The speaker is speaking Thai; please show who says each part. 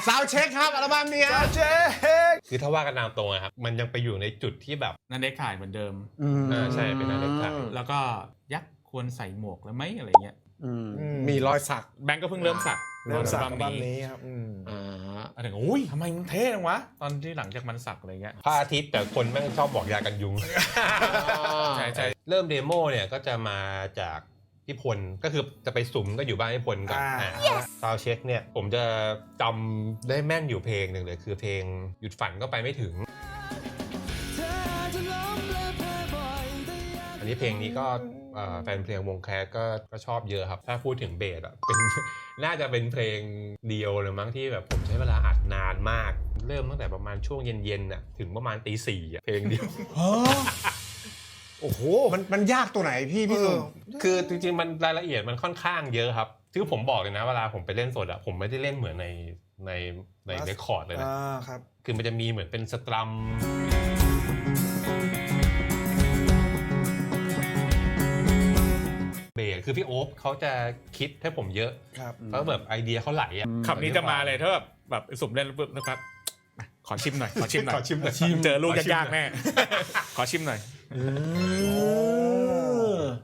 Speaker 1: ซาวด์เช็คครับอัลบั้มนี้ซาวด์เช็ค
Speaker 2: คือถ้าว่ากันตามตรงนะครับมันยังไปอยู่ในจุดที่แบบ
Speaker 3: นันเด็กถ่ายเหมือนเดิม
Speaker 2: ใช่เป็นนันเด็กถ่าย
Speaker 3: แล้วก็ยักษ์ควรใส่หมวกแล้วไหมอะไรเงี้ย
Speaker 1: มีรอยสัก
Speaker 3: แบงก์ก็เพิ่งเริ่มสัก
Speaker 1: อัลบั้มนี้ครับ
Speaker 3: อะไรเงี้ยอุ้ยทำไมมันเท่จังวะตอนที่หลังจากมันสักอะไรเงี้ย
Speaker 2: พระอาทิตย์แต่คนแม่งชอบบอกยากันยุง
Speaker 3: ใช่ใช่
Speaker 2: เริ่มเดโมเนี่ยก็จะมาจากพี่พลก็คือจะไปสุ่มก็อยู่บ้านพี่พลก่อนซาวเช็คเนี่ยผมจะจำได้แม่นอยู่เพลงหนึ่งเลยคือเพลงหยุดฝันก็ไปไม่ถึงอันนี้เพลงนี้ก็แฟนเพลงวงแคสก็ชอบเยอะครับถ้าพูดถึงเบสอ่ะเป็น น่าจะเป็นเพลงเดียวเลยมั้งที่แบบผมใช้เวลาอัดนานมากเริ่มตั้งแต่ประมาณช่วงเย็นๆน่ะถึงประมาณตี 4อ่ะเพลงเดียว
Speaker 1: โอ้โหมันยากตัวไหนพี่สุ่ม
Speaker 2: คือจริงๆมันรายละเอียดมันค่อนข้างเยอะครับคือผมบอกเลยนะเวลาผมไปเล่นสดอ่ะผมไม่ได้เล่นเหมือนในเรคคอร์ดเลย
Speaker 1: นะครับ
Speaker 2: คือมันจะมีเหมือนเป็นสตรัมเบสคือพี่โอ๊คเขาจะคิดให้ผมเยอะเพราะแบบไอเดียเขาไหลอ่ะ
Speaker 3: คำนี้จะมาเลยถ้าแบบสุ่มเล่นปุ๊บนะครับขอชิมหน่อย
Speaker 2: ขอชิมหน่อย
Speaker 3: เจอลูกยากๆแม่ขอชิมหน่อย